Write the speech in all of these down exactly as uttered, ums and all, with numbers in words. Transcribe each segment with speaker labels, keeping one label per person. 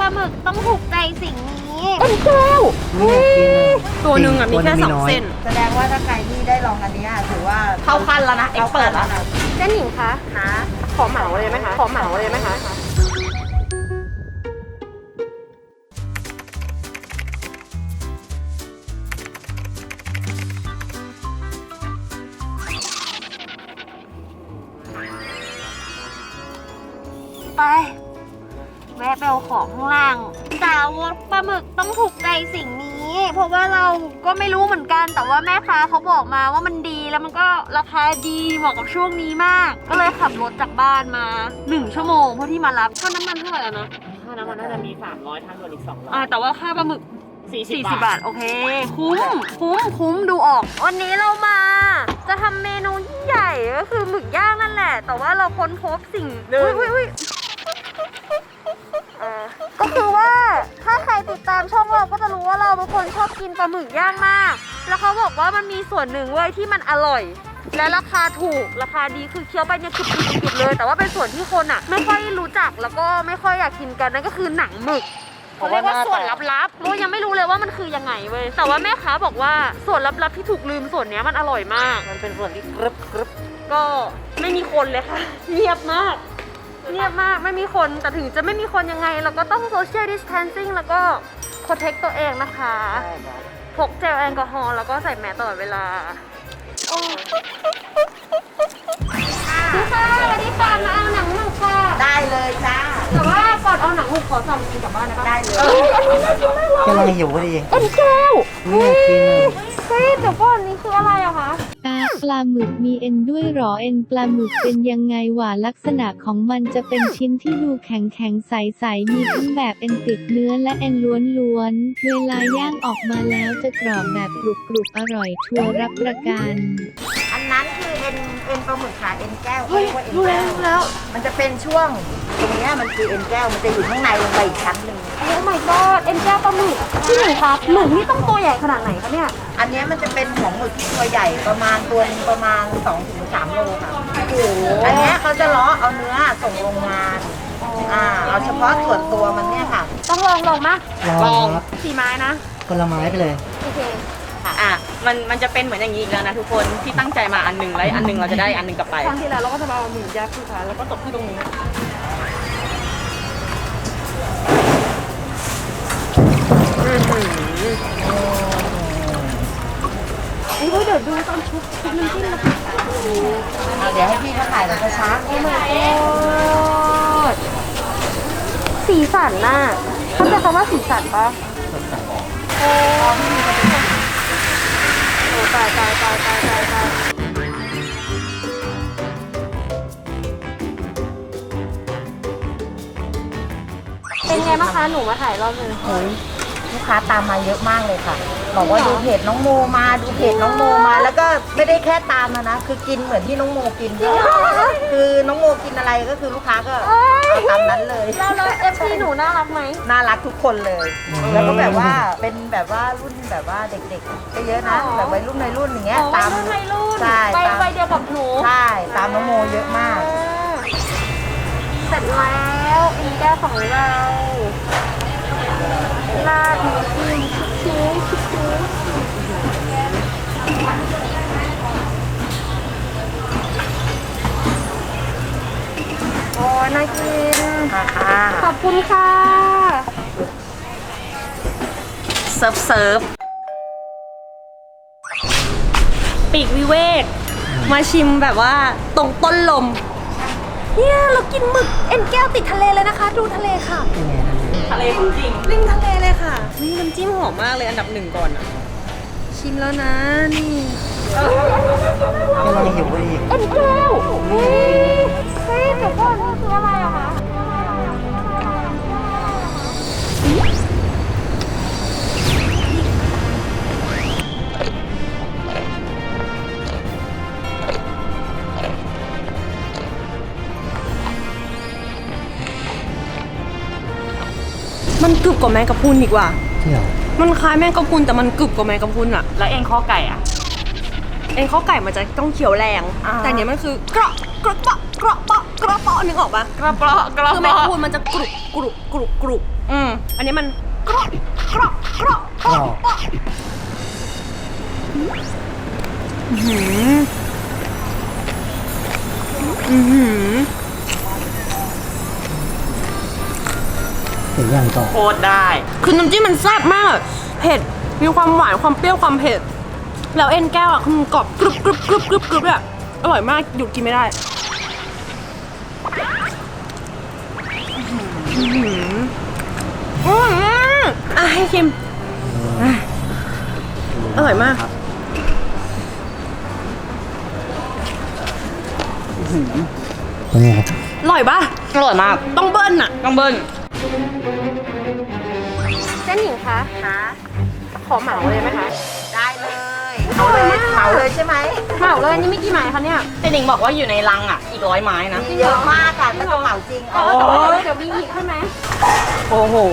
Speaker 1: ลาหมึกต้องถูกใจสิ่งนี้
Speaker 2: เป็นแก้ว
Speaker 3: ตัวหนึ่งอ่ะมีแค่สองเส้น
Speaker 4: แสดงว่าถ้าใครที่ได้ลองอันนี้ถือว่า
Speaker 3: เข้าขั้นแล้วนะเอ็กเปิดแล้ว
Speaker 1: เส้นหญิงคะ
Speaker 4: นะ
Speaker 1: ขอเหมาเลยไหมคะขอเหมาเลยไหมคะไปแวะไปเอาของข้างล่างสาวกปลาหมึกต้องถูกใจสิ่งนี้ เพราะว่าเราก็ไม่รู้เหมือนกันแต่ว่าแม่ค้าเขาบอกมาว่ามันดีแล้วมันก็ราคาดีเหมาะกับช่วงนี้มาก ก็เลยขับรถจากบ้านมาหนึ่งชั่วโมงเพื่อที่มารับค่าน้ำมันเท่าไหร่แล้วนะ
Speaker 3: ค่าน้ำมันน่าจะมีสามร้อยทางด่วนอีกสองร้อย
Speaker 1: อ่าแต่ว่าค่าปลาหมึก
Speaker 3: สี่สิบ
Speaker 1: สี่สิบบาทโอเคคุ้มคุ้มคุ้มดูออกวันนี้เรามา จะทำเมนูยิ่งใหญ่ก็คือหมึกย่างนั่นแหละ แต่ว่าเราค้นพบสิ่งอุ้ยอุ้ยอุ้ยอ่าก็คือว่าถ้าใครติดตามช่องเราก็จะรู้ว่าเราเป็นคนชอบกินปลาหมึกย่างมากแล้วเขาบอกว่ามันมีส่วนหนึ่งเว้ยที่มันอร่อย และราคาถูกราคาดีคือเคี้ยวไปเนี่ยคือจุดๆเลย แต่ว่าเป็นส่วนที่คนอ่ะไม่ค่อยรู้จักแล้วก็ไม่ค่อยอยากกินกันนั่นก็คือหนังหมึกเขาเรียกว่าส่วนลับๆโมยังไม่รู้เลยว่ามันคือยังไงเว้ยแต่ว่าแม่ค้าบอกว่าส่วนลับๆที่ถูกลืมส่วนนี้มันอร่อยมาก
Speaker 3: มันเป็นส่วนที่กรึบกรึบ
Speaker 1: ก็ไม่มีคนเลยค่ะเงียบมากเงียบมากไม่มีคนแต่ถึงจะไม่มีคนยังไงเราก็ต้อง social distancing แล้วก็ protect ตัวเองนะคะพกเจลแอลกอฮอล์แล้วก็ใส่แมสตลอดเวลาพี่ค่ะวันนี้ก่อนมาเอาหนังหมึกค่ะ
Speaker 4: ได้เลยจ้า
Speaker 1: แต่ว่าก่อนเอาหนังหมึกขอสั่งกินกลับบ้านได้ปะ
Speaker 4: ได้เลย
Speaker 2: กำลังหิวพอดี
Speaker 1: เอ็นแก้ว
Speaker 2: ไม่อยากกินเลย
Speaker 1: เฮ้ยเดี๋ยวก่อนนี่คืออะไรอะคะ
Speaker 5: ปลาปลาหมึกมีเอ็นด้วยหรอเอ็นปลาหมึกเป็นยังไงวะลักษณะของมันจะเป็นชิ้นที่ดูแข็งแข็งใสๆมีทั้งแบบเอ็นติดเนื้อและเอ็นล้วนๆเวลาย่างออกมาแล้วจะกรอบแบบกรุบๆอร่อยชัวร์รับประกัน
Speaker 4: อันนั้นคือเอ็นเอ็นปลาหมึกขาเอ็นแก้ว
Speaker 1: เฮ้ย
Speaker 4: ขารีกว่าเอ็น
Speaker 1: รู้แล้ว
Speaker 4: ก้
Speaker 1: รู้แล้ว
Speaker 4: มันจะเป็นช่วงตรงเนี้ยมันคือเอ็นแก้วมันจะอยู่ข้างในลงไปอีกชั้นหนึ่ง
Speaker 1: โอ้ my god เอ็นแก้วปลาหมึกพี่หนึ่งครับหมึกนี่ต้องตัวใหญ่ขนาดไหนคะเนี่ย
Speaker 4: อันเนี้ยมันจะเป็นของหมึกที่ตัวใหญ่ประมาณตัวหนึงประมาณสองถึงสามโลค่ะ
Speaker 1: โอ้โห
Speaker 4: อันเนี้ยเขาจะล้อเอาเนื้อส่งโรงงานอ่าเอาเฉพาะส่วนตัวมันเนี่ยค่ะ
Speaker 1: ต้องลองลองมะ
Speaker 2: ลองครับ
Speaker 1: สี่ไม้นะ
Speaker 2: คนละไม้ไปเลย
Speaker 1: โอเค
Speaker 3: อ่ะมันมันจะเป็นเหมือนอย่างนี้อีกแล้วนะทุกคนที่ตั้งใจมาอันหนึ่งแล้วอันหนึ่งเราจะได้อันหนึ่งกลับไป
Speaker 1: ครั้งที่แล้วเราก็จะมาเอาหมึกยักษ์คือค่ะแล้วก็ตกที่ตรงนี้เฮ้ยเดี๋ยวดูตอนชุบชุบน้ำจิ้มนะคะ
Speaker 4: เอาเดี๋ยวให้พี่เขาถ่ายแบบช้าๆ
Speaker 1: โอ้ my god สีสันน่ะเข้าใจคำว่าสีสันปะโอ้โหตายตายตายตายตายตายเป็นไงบ้างคะหนูมาถ่ายรอบนึง
Speaker 4: โอ้ยลูกค้าตามมาเยอะมากเลยค่ะ บอกว่าดูเพจน้องโมมาดูเพจน้องโมมา แล้วก็ไม่ได้แค่ตามมานะ คือกินเหมือนที่น้องโมกินด้วยคือน้องโมกินอะไรก็คือลูกค้าก็เอาตามนั้นเลย
Speaker 1: แล้วแล้วเอฟซีหนูน่ารักไหม
Speaker 4: น่ารักทุกคนเลย แล้วก็แบบว่าเป็นแบบว่ารุ่นแบบว่าเด็กๆก็เยอะนะ แบบวัยรุ่นในรุ่นอย่างเงี้ย
Speaker 1: อ๋อ
Speaker 4: ตาม
Speaker 1: วัยรุ่นวัยรุ่น
Speaker 4: ใช่
Speaker 1: ไป
Speaker 4: ตาม
Speaker 1: ไปเดียวกับหนู
Speaker 4: ใช่ตามน้องโมเยอะมาก
Speaker 1: เสร็จแล้วอินแก้วของเราราดน้ำจิ้มชิ้นชิ้นโอ้ยน่ากิน
Speaker 4: ค่ะ
Speaker 1: ขอบคุณค่ะ
Speaker 3: เซิร์ฟเซิร์ฟปีกวิเวกมาชิมแบบว่าตรงต้นลม
Speaker 1: เนี่ยเรากินหมึกเอ็นแก้วติดทะเลเลยนะคะ ดูทะเลค่ะ
Speaker 3: ทะเลจริงริมทะเลเลยค่ะนี่น้ำจิ้มหอมมากเลยอันดับหนึ่งก่อนอะชิมแล้วนะนี่
Speaker 2: กำลังหิวพอดี
Speaker 1: เอ็นแก้วเฮ้ยเฮ้ยเดี๋ยวก่อนนี่คืออะไรอะคะ
Speaker 3: มันกรึบกว่าแมงกะพรุนดีกว่า
Speaker 2: เที่ยว
Speaker 3: มันคล้ายแมงกะพรุนแต่มันกรึบกว่าแมงกะพรุนอะแล้วเอ็นข้อไก่อะเอ็นข้อไก่มันจะต้องเคี้ยวแรง แต่เนี้ยมันคือกระกระเปาะกระเปาะกระเปาะนึกออกปะ
Speaker 4: กระเปาะกระ
Speaker 3: คือแมง
Speaker 4: เปาะ
Speaker 3: กะพรุนมันจะกรุบกรุบกรุบกรุบอืมนนี้มันกรอบกรอบกรอบ
Speaker 2: กรอบ
Speaker 3: อื้อหืออื้อหือ
Speaker 2: ถึงอย่างต่อ
Speaker 4: โคตรได้
Speaker 3: คือน้ำจิ้มมันแซ่บมาก เผ็ด มีความหวาน ความเปรี้ยว ความเผ็ด แล้วเอ็นแก้วอ่ะคือมันกรอบกรุบกรุบกรุบกรุบกรุบอ่ะอร่อยมาก หยุดกินไม่ได้อื้อหืออื้อหืออ่ะให้ชิมอ่ะอร่อยมาก
Speaker 2: เป็นไงครับ
Speaker 3: อร่อยปะ
Speaker 4: อร่อยมาก
Speaker 3: ต้องเบิ้ลอ่ะ
Speaker 4: ต้องเบิ้ล
Speaker 3: เส้นหญิงคะคะขอเหมาเลยไหมคะ
Speaker 4: ได้เลยเอาเลยเหมาเลยใช่ไหม
Speaker 3: เหมาเลยนี่ไม่กี่ไม้คะเนี่ย
Speaker 4: แต่หนิงบอกว่าอยู่ในรังอ่ะ อีกร้อยไม้นะ เยอะมากค่ะถ้าจะเหมาจริง
Speaker 3: โอ้ยเดี๋ยวมีอีกใช่ไหม
Speaker 4: โอ้โห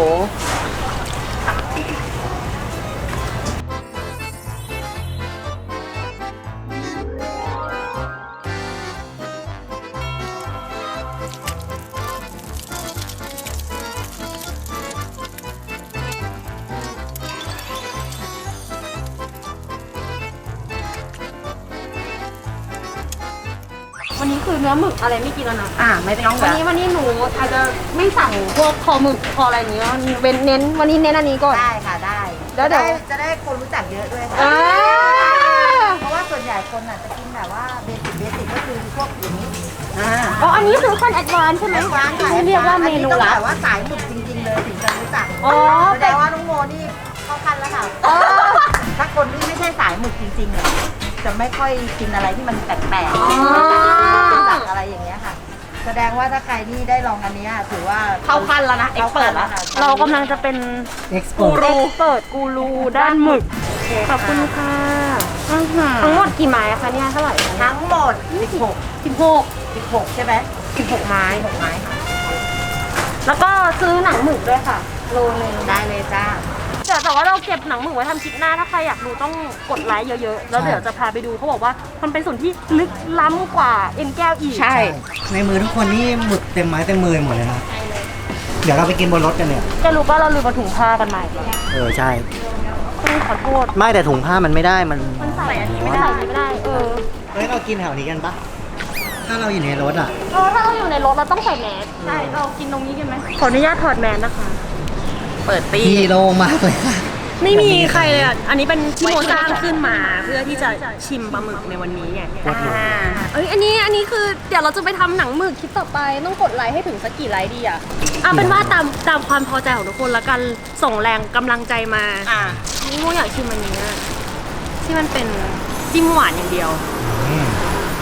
Speaker 3: วันนี้คือเนื้อหมึกอะไรไม่กินแล้วนะ
Speaker 4: อ่าไม่ต้อง
Speaker 3: วัน
Speaker 4: แบบ
Speaker 3: นี้วันนี้หนูอาจจะไม่สั่งพวกคอหมึกคออะไรอย่างเงี้ยเว้นเน้นวันนี้เน้นอันนี้ก่อน
Speaker 4: ได้ค่ะได้
Speaker 3: แล้วเดี๋ยว
Speaker 4: จะได้คนรู้จักเยอะด้วยค่ะ
Speaker 3: อ่า
Speaker 4: เพราะว่าส่วนใหญ่คนอ่ะจะกินแบบว่าเบสิกเบสิกก็คือพวกอย่างนี้อ่า
Speaker 3: อ๋ออันนี้คือขั้นแอดวานซ์ใช่ไหม
Speaker 4: ร้านขาย
Speaker 3: เรียกว่าเมนู
Speaker 4: อันนี้ต้อง
Speaker 3: ลับ
Speaker 4: แบบว่าสายหมึกจริงๆเลยถึงจะรู้จัก
Speaker 3: อ๋อ
Speaker 4: แสดงว่าน้องโมนี่เข้าขั้นแล้วค่ะ
Speaker 3: อ๋อ
Speaker 4: ถ้าคนที่ไม่ใช่สายหมึกจริงๆเนี่ยจะไม่ค่อยกินอะไรที่มันแปลกๆ
Speaker 3: อ๋อ
Speaker 4: รู้จักอะไรอย่างเงี้ยค่ะ แสดงว่าถ้าใครที่ได้ลองอันเนี้ยถือว่า
Speaker 3: เข้าขั้นแล้วนะ expert แล้ว เรากำลังจะเป็น
Speaker 2: เอ็กซ์โป
Speaker 3: กูรูเปิดกูรูด้านหมึก ขอบคุณค่ะทั้งหมดกี่ไม้คะเนี่ยเท่าไหร่คะ
Speaker 4: ทั้งหมดสิบหก
Speaker 3: สิบหก
Speaker 4: สิบหกใช่ไหม
Speaker 3: สิบหกไม้
Speaker 4: สิบหกไม้ค่ะ
Speaker 3: แล้วก็ซื้อหนังหมึกด้วยค่ะ โลนึง
Speaker 4: ได้เลยจ้า
Speaker 3: เดี๋ยวแต่ว่าเราเก็บหนังหมึกไว้ทำคลิปหน้าถ้าใครอยากดูต้องกดไลค์เยอะๆ แล้วเดี๋ยวจะพาไปดูเขาบอกว่ามันเป็นส่วนที่ลึกล้ำกว่าเอ็นแก้วอีก
Speaker 4: ใช่
Speaker 2: ในมือทุกคนนี่หมึกเต็มไม้เต็มมือหมดเลยนะ เดี๋ยวเราไปกินบนรถกันเนี่ย
Speaker 3: จะรู้ป่ะเราลืมมาถุงผ้ากันใหม่
Speaker 2: เออใช่
Speaker 3: ต้องขอโทษ
Speaker 2: ไม่แต่ถุงผ้ามันไม่ได้มัน
Speaker 3: มันใส่อันนี้ไม่ได้ใส่อันนี้ไม่ได้ เออ
Speaker 2: เฮ้ยเรากินแถวนี้กันปะถ้าเราอยู่ในรถอ่ะ
Speaker 3: เออถ้าเราอยู่ในรถเราต้องใส่แมสใช่ เรากินตรงนี้กันไหมขออนุญาตถอดแมสนะคะ
Speaker 4: เปิดตี
Speaker 2: พี่โลงมากเลยค่ะ
Speaker 3: ไม่มีใครเลยอ่ะ อันนี้เป็นที่โมสร้างขึ้นมาเพื่อที่จะชิมปลาหมึกในวันนี้ไง
Speaker 2: อ่า
Speaker 3: เอ้ย อันนี้ อันนี้คือเดี๋ยวเราจะไปทำหนังหมึกคลิปต่อไป ต้องกดไลค์ให้ถึงสักกี่ไลค์ดีอ่ะเอาเป็นว่าตามตามความพอใจของทุกคนแล้วกัน ส่งแรงกำลังใจมา
Speaker 4: อ่า
Speaker 3: นี่โมอยากชิมอันนี้อะที่มันเป็นจิ้มหวานอย่างเดียว
Speaker 2: อืม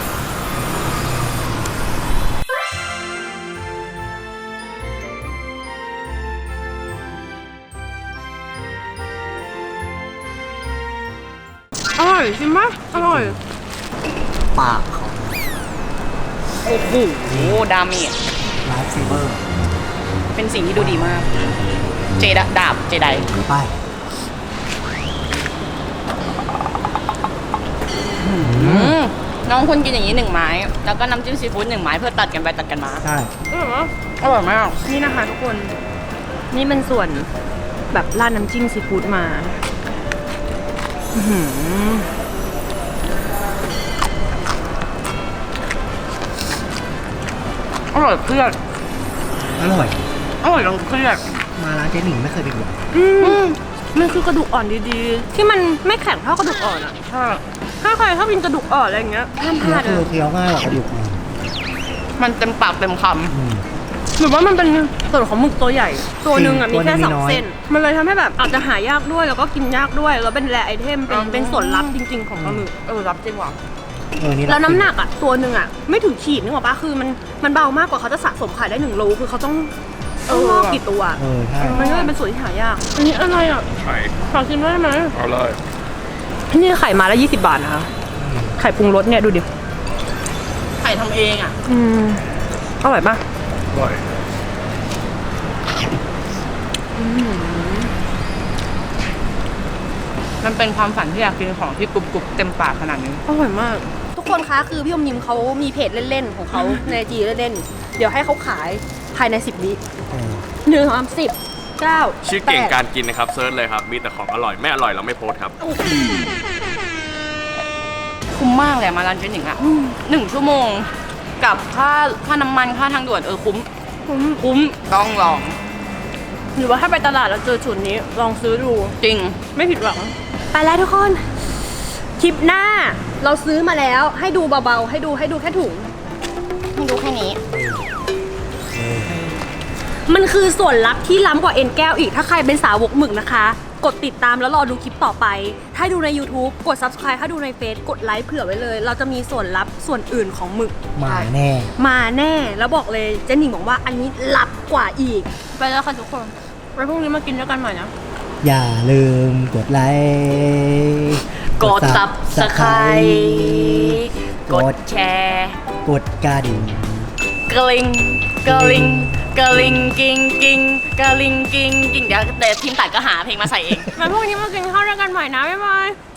Speaker 3: อร่อยชิมไหมอร่อย
Speaker 2: ปากเขา
Speaker 4: โอ้โหดาเมจ
Speaker 2: ไลฟ์เซเบอร์
Speaker 4: เป็นสิ่งที่ดูดีมาก เจดาดาบเจได
Speaker 2: ไป
Speaker 4: น้องคุณกินอย่างนี้หนึ่งไม้ แล้วก็น้ำจิ้มซีฟู้ดหนึ่งไม้เพื่อตัดกันไปตัดกันมา
Speaker 2: ใช่
Speaker 3: อร่อยไหม
Speaker 4: อร่อยมาก
Speaker 3: นี่นะคะทุกคน นี่เป็นส่วนแบบราดน้ำจิ้มซีฟู้ดมาอื้อหือ
Speaker 4: อร่อยเครียด
Speaker 2: อร่อย
Speaker 4: อร่อยลงเครียด
Speaker 2: มาร้านเจ๊หนิงไม่เคยไปกิน
Speaker 3: อืมมันคือกระดูกอ่อนดีๆ ที่มันไม่แข็งเท่ากระดูกอ่อนอ่ะ
Speaker 4: ใช่
Speaker 3: ถ้าใครชอบกินกระดูกอ่อนอะไรอย่างเงี้ยห้ามพ
Speaker 2: เนื้อ
Speaker 3: ลาด
Speaker 2: คือ
Speaker 3: เลย
Speaker 2: เคี้ยวง่ายกว่ากระดูกมัน
Speaker 4: มันเต็มปากเต็มค
Speaker 2: อืม
Speaker 3: หรือว่ามันเป็นส่วนของหมึกตัวใหญ่ ตัวหนึ่งอ่ะ
Speaker 2: จริ
Speaker 3: มี
Speaker 2: ง
Speaker 3: แค่
Speaker 2: ตัวหนึ่ง
Speaker 3: สอง
Speaker 2: มีน้อย
Speaker 3: เส้น มันเลยทำให้แบบอาจจะหายากด้วยแล้วก็กินยากด้วย แล้วเป็นแรไอเทม เป็นเป็นส่วนลับจริง ๆ ของปลาหมึก
Speaker 4: ำเออรับจริงว่ะ
Speaker 2: เออนี่
Speaker 3: แล้วน้ำหนักอ่ะตัวหนึ่งอ่ะไม่ถึงขีดนึกออกปะคือมันมันเบามากกว่าเขาจะสะสมขายได้หนึ่งโลคือเขาต้องเออกี่ตัว
Speaker 2: เออใช่
Speaker 3: มันก็เลยเป็นส่วนที่หายาก อันนี้อะไรอ่ะ
Speaker 6: ไข่
Speaker 3: ขอชิมได้ไหม
Speaker 6: เอาเลย
Speaker 3: นี่ไข่มาละยี่สิบบาทนะคะ ไข่ปรุงรสเนี่ยดูดิ
Speaker 4: ไข่ทำเองอ่ะ
Speaker 3: อืมอร่อยปะ
Speaker 6: อร่อย
Speaker 4: มันเป็นความฝันที่อยากกินของที่กรุบกรุบเต็มปากขนาดนี้
Speaker 3: อร่อยมาก ทุกคนคะคือพี่อมยิมเขามีเพจเล่นๆของเขาในจีเล่นๆเดี๋ยวให้เขาขายภายในสิบวิ
Speaker 2: เออ
Speaker 3: หนึ่งสามสิบเก้า
Speaker 6: ชื่อเก่งการกินนะครับเซิร์ชเลยครับมีแต่ของอร่อยไม่อร่อยเราไม่โพสต์ครับ
Speaker 7: คุ้มมากเลยมาร้านเจ๊หนิงอะหนึ่งชั่วโมงกับค่าค่าน้ำมันค่าทางด่วนเออคุ้ม
Speaker 3: คุ้ม
Speaker 7: คุ้มต้องลอง
Speaker 3: หรือว่าถ้าไปตลาดแล้วเจอชุดนี้ลองซื้อดู
Speaker 7: จริง
Speaker 3: ไม่ผิดหวัง ไปแล้วทุกคน คลิปหน้าเราซื้อมาแล้วให้ดูเบาๆ ให้ดูให้ดูแค่ถุง
Speaker 7: ให้ดูแค่นี้
Speaker 3: มันคือส่วนลับที่ล้ำกว่าเอ็นแก้วอีกถ้าใครเป็นสาวกหมึกนะคะ กดติดตามแล้วรอดูคลิปต่อไป ถ้าดูใน YouTube กด Subscribe ถ้าดูในเฟซกดไลค์เผื่อไว้เลย เราจะมีส่วนลับส่วนอื่นของหมึก
Speaker 2: มาแน่
Speaker 3: มาแน่แล้วบอกเลยเจนหนิงบอกว่าอันนี้ลับกว่าอีก
Speaker 7: ไปแล้วค่ะทุกคนไว้พรุ่งนี้มากินด้วยกันใหม่นะ
Speaker 2: อย่าลืมกดไลค์
Speaker 7: กด Subscribe กดแชร์
Speaker 2: กดกระดิ่ง
Speaker 7: กระลิงกระลิงกระลิงกิ้งกิ้งกระลิงกิ้งกิ้งเดี๋ยวแต่ทีมตัดก็หาเพลงมาใส่เอง
Speaker 3: ไว้พรุ่งนี้มากินข้าวด้วยกันใหม่นะบ๊ายบาย